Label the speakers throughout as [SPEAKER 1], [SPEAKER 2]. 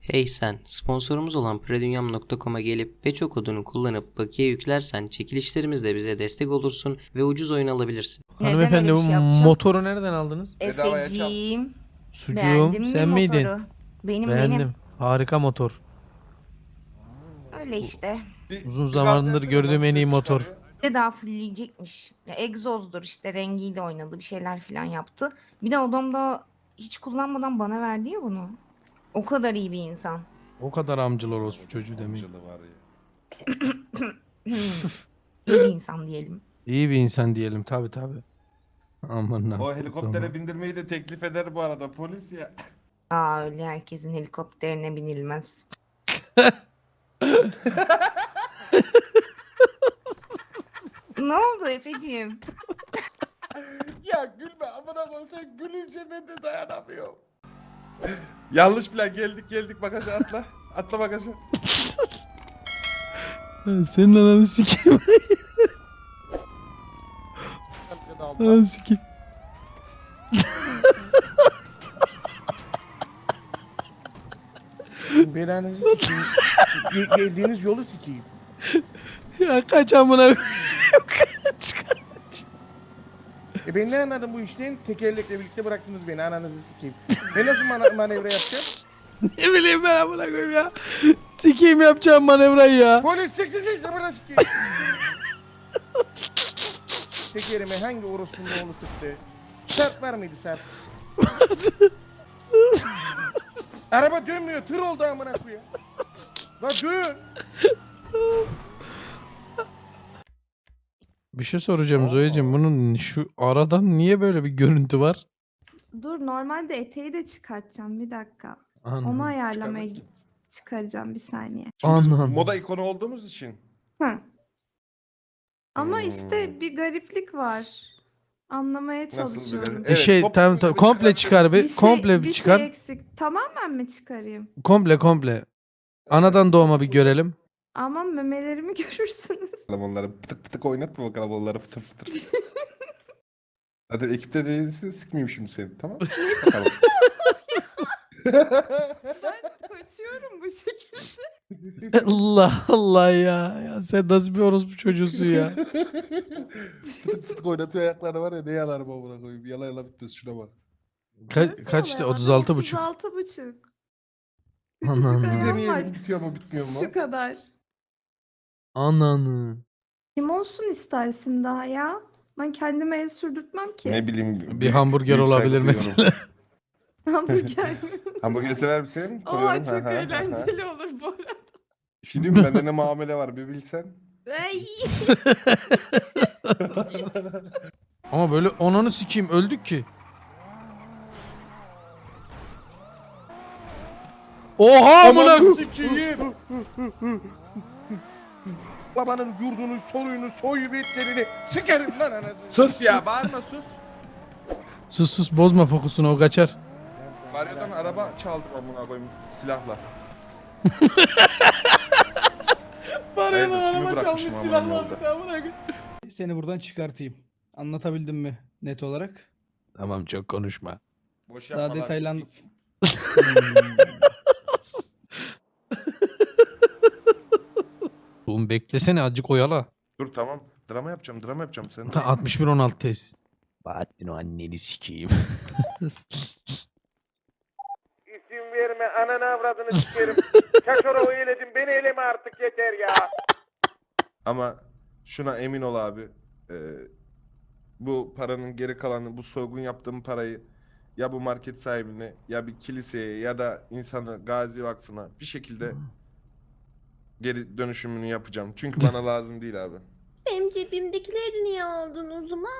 [SPEAKER 1] Hey sen, sponsorumuz olan predunyam.com'a gelip Peço kodunu kullanıp bakiye yüklersen çekilişlerimizle bize destek olursun ve ucuz oyun alabilirsin.
[SPEAKER 2] Neden
[SPEAKER 3] Hanımefendi
[SPEAKER 2] öyle bir
[SPEAKER 3] bu
[SPEAKER 2] şey yapacağım?
[SPEAKER 3] motoru nereden aldınız?
[SPEAKER 4] Bedavaya çal.
[SPEAKER 2] Efeciğim.
[SPEAKER 3] Sucuğum
[SPEAKER 2] Beğendin mi
[SPEAKER 3] sen
[SPEAKER 2] motoru?
[SPEAKER 3] miydin?
[SPEAKER 2] Benim.
[SPEAKER 3] Beğendim. Harika motor.
[SPEAKER 2] Öyle işte.
[SPEAKER 3] Uzun zamandır gördüğüm en iyi motor.
[SPEAKER 2] Bir de daha fullleyecekmiş. Ya, egzozdur işte, rengiyle oynadı, bir şeyler falan yaptı. Bir de adam da hiç kullanmadan bana verdi ya bunu. O kadar iyi bir insan.
[SPEAKER 3] O kadar amcılar orospu çocuğu demeyin.
[SPEAKER 4] Var ya.
[SPEAKER 2] İyi bir insan diyelim.
[SPEAKER 3] İyi bir insan diyelim tabi. Aman
[SPEAKER 4] O helikoptere bindirmeyi de teklif eder bu arada polis ya.
[SPEAKER 2] Aa, öyle herkesin helikopterine binilmez. Ne oldu Efeciğim?
[SPEAKER 4] Ya gülme amına koyayım, sen gülünce ben de dayanamıyorum. Yanlış plan, geldik bagaja atla. Atla bagaja.
[SPEAKER 3] Senin ananı sikeyim.
[SPEAKER 4] Arkada alsa.
[SPEAKER 3] Ananı sikeyim.
[SPEAKER 5] Belanızı sikeyim. Geldiğiniz yolu sikeyim.
[SPEAKER 3] Ya kaç amına koyayım. Kaç.
[SPEAKER 5] Ben ne anladım bu işten? Tekerlekle birlikte bıraktınız beni, ananızı sikeyim. Ben nasıl manevra yapacağım?
[SPEAKER 3] Ne bileyim ben amına koyayım ya. Sikeyim yapacağım manevrayı ya.
[SPEAKER 5] Polis siktir bana sikeyim. Tekerime hangi orospunun oğlu sıktı? Sarp var mıydı Sarp? Araba dönmüyor, tır oldu amına koyayım. La dön.
[SPEAKER 3] Bir şey soracağım Zoyacığım. Bunun şu aradan niye böyle bir görüntü var?
[SPEAKER 6] Dur, normalde eteği de çıkartacağım, bir dakika.
[SPEAKER 3] Anladım.
[SPEAKER 6] Onu ayarlamaya çıkaracağım, bir saniye.
[SPEAKER 4] Biz
[SPEAKER 3] Anladım.
[SPEAKER 4] moda ikonu olduğumuz için.
[SPEAKER 6] Hı. Ama
[SPEAKER 4] Hmm.
[SPEAKER 6] işte bir gariplik var. Anlamaya
[SPEAKER 4] Nasıl bir
[SPEAKER 6] çalışıyorum.
[SPEAKER 4] garip?
[SPEAKER 3] Bir şey
[SPEAKER 4] komple
[SPEAKER 3] tamam
[SPEAKER 4] komple
[SPEAKER 3] komple çıkar bir.
[SPEAKER 6] Bir şey,
[SPEAKER 3] Komple
[SPEAKER 6] bir
[SPEAKER 3] çıkar.
[SPEAKER 6] şey eksik. Tamamen mi çıkarayım?
[SPEAKER 3] Komple. Anadan doğma bir görelim.
[SPEAKER 6] Ama memelerimi görürsünüz.
[SPEAKER 4] Bakalım onları pıtık pıtık oynatma bakalım onları fıtır fıtır. Zaten ekipte değilsin, sıkmayayım şimdi seni, tamam mı? Bakalım.
[SPEAKER 6] Ben kaçıyorum bu şekilde.
[SPEAKER 3] Allah Allah ya. Ya sen nasıl bir orospu çocuğusun ya.
[SPEAKER 4] Fıtık fıtık oynatıyor ayakları var ya, ne yalar bu amına koyayım. Yala bitmez, şuna bak.
[SPEAKER 3] Kaçtı?
[SPEAKER 6] Adam
[SPEAKER 3] 36,5.
[SPEAKER 6] 36,5.
[SPEAKER 3] Aman.
[SPEAKER 6] Küçücük
[SPEAKER 4] Bir
[SPEAKER 6] ayağım var.
[SPEAKER 4] deneyelim, bitiyor mu bitmiyor mu?
[SPEAKER 6] Şu kadar.
[SPEAKER 3] Ananı.
[SPEAKER 6] Kim olsun istersin daha ya? Ben kendime el sürdürtmem ki.
[SPEAKER 4] Ne bileyim.
[SPEAKER 3] Bir hamburger
[SPEAKER 4] büyük saygı
[SPEAKER 3] olabilir
[SPEAKER 4] duyuyorum.
[SPEAKER 3] mesela.
[SPEAKER 6] Hamburger mi?
[SPEAKER 4] Hamburger sever misin?
[SPEAKER 6] Oha,
[SPEAKER 4] Koyuyorum.
[SPEAKER 6] çok
[SPEAKER 4] Ha, ha, ha, ha.
[SPEAKER 6] eğlenceli olur bu arada.
[SPEAKER 4] Şimdi bende ne muamele var bir bilsen.
[SPEAKER 6] Ay.
[SPEAKER 3] Ama böyle onunu sikeyim öldük ki. Oha amına.
[SPEAKER 4] sikiyim.
[SPEAKER 5] Babanın yurdunu, soluyunu, soyu bitlerini sikerim lan anasını.
[SPEAKER 4] Sus ya, bağırma sus.
[SPEAKER 3] Sus bozma fokusunu o kaçar.
[SPEAKER 4] Varyo'dan araba çaldım amına koyayım silahla.
[SPEAKER 3] Var
[SPEAKER 4] lan, araba çalmış silahla
[SPEAKER 7] Seni buradan çıkartayım. Anlatabildim mi net olarak?
[SPEAKER 3] Tamam çok konuşma.
[SPEAKER 4] Boş
[SPEAKER 7] Daha
[SPEAKER 4] yapma lan,
[SPEAKER 7] detaylan-
[SPEAKER 4] sikik.
[SPEAKER 3] Oğlum beklesene azıcık oyala.
[SPEAKER 4] Dur tamam. Drama yapacağım sen.
[SPEAKER 3] Ta 61-16 tez. Bahattin o anneni sikeyim.
[SPEAKER 5] İsim verme, ananı avradını sikerim. Şaşora oyledin, beni eleme artık yeter ya.
[SPEAKER 4] Ama şuna emin ol abi. Bu paranın geri kalanı, bu soygun yaptığım parayı ya bu market sahibine ya bir kiliseye ya da insanı Gazi Vakfı'na bir şekilde geri dönüşümünü yapacağım. Çünkü bana lazım değil abi.
[SPEAKER 8] Benim cebimdekileri niye aldın o zaman?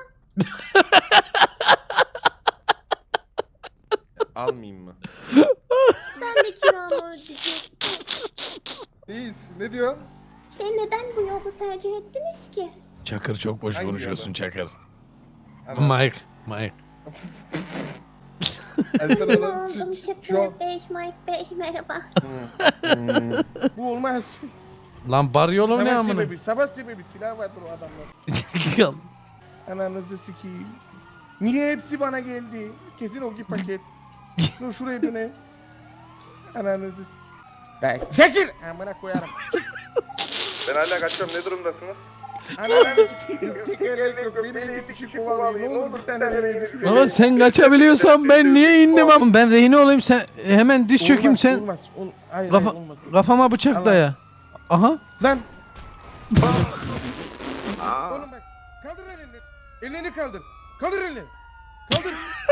[SPEAKER 4] Almayayım mı?
[SPEAKER 8] Ben de kiramı ödeyecektim.
[SPEAKER 4] İyiyiz. Ne diyorsun?
[SPEAKER 8] Neden bu yolu tercih ettiniz ki?
[SPEAKER 3] Çakır çok boş
[SPEAKER 4] Hangi
[SPEAKER 3] konuşuyorsun
[SPEAKER 4] adam?
[SPEAKER 3] Çakır.
[SPEAKER 4] Ana-
[SPEAKER 3] Mike.
[SPEAKER 4] Alper
[SPEAKER 8] Ne
[SPEAKER 4] Hanım,
[SPEAKER 8] oldum
[SPEAKER 4] şu an-
[SPEAKER 8] Çakır Bey, Mike Bey merhaba.
[SPEAKER 5] Bu olmaz.
[SPEAKER 3] Lan Baryolo ne
[SPEAKER 5] Savaş
[SPEAKER 3] amına?
[SPEAKER 5] sebebi, savaş sebebi. Silah vardır o adamlar. Ananızı sikeyim. Niye hepsi bana geldi? Kesin o paket. Dur şuraya döne. Ananızı Be çekil. Amına koyarım.
[SPEAKER 4] Ben hala kaçıyorum. Ne durumdasınız?
[SPEAKER 5] Ananı sikeyim. Tekerlek yok. Beni 50 kişi kovalıyor. Ne olur bir tane verin.
[SPEAKER 3] Baba sen kaçabiliyorsan ben niye indim ama? Ben rehine olayım sen hemen diz çökeyim sen.
[SPEAKER 5] Olmaz. Hayır,
[SPEAKER 3] Kafa-
[SPEAKER 5] hayır, olmaz.
[SPEAKER 3] Kafama bıçak
[SPEAKER 5] Allah.
[SPEAKER 3] daya. Aha.
[SPEAKER 5] Lan. Oğlum bak. Kaldır elini. Elini kaldır. Kaldır elini. Kaldır.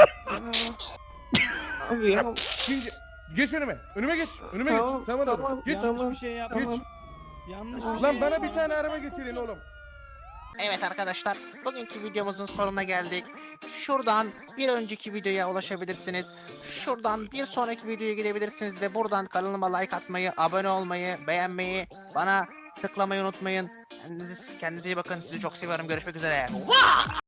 [SPEAKER 2] Abi ya.
[SPEAKER 5] Şimdi geç önüme. Önüme geç. Önüme
[SPEAKER 2] Tamam,
[SPEAKER 5] geç. Sağa doğru.
[SPEAKER 2] tamam,
[SPEAKER 5] Geç.
[SPEAKER 7] Yanlış bir şey yapma.
[SPEAKER 5] Geç.
[SPEAKER 7] Yanlış bir
[SPEAKER 5] Lan
[SPEAKER 7] şey
[SPEAKER 5] bana
[SPEAKER 7] yapma.
[SPEAKER 5] bir tane araba getirin oğlum.
[SPEAKER 9] Evet arkadaşlar, bugünkü videomuzun sonuna geldik. Şuradan bir önceki videoya ulaşabilirsiniz. Şuradan bir sonraki videoya gidebilirsiniz ve buradan kanalıma like atmayı, abone olmayı, beğenmeyi, bana tıklamayı unutmayın. Kendinize iyi bakın. Sizi çok seviyorum. Görüşmek üzere.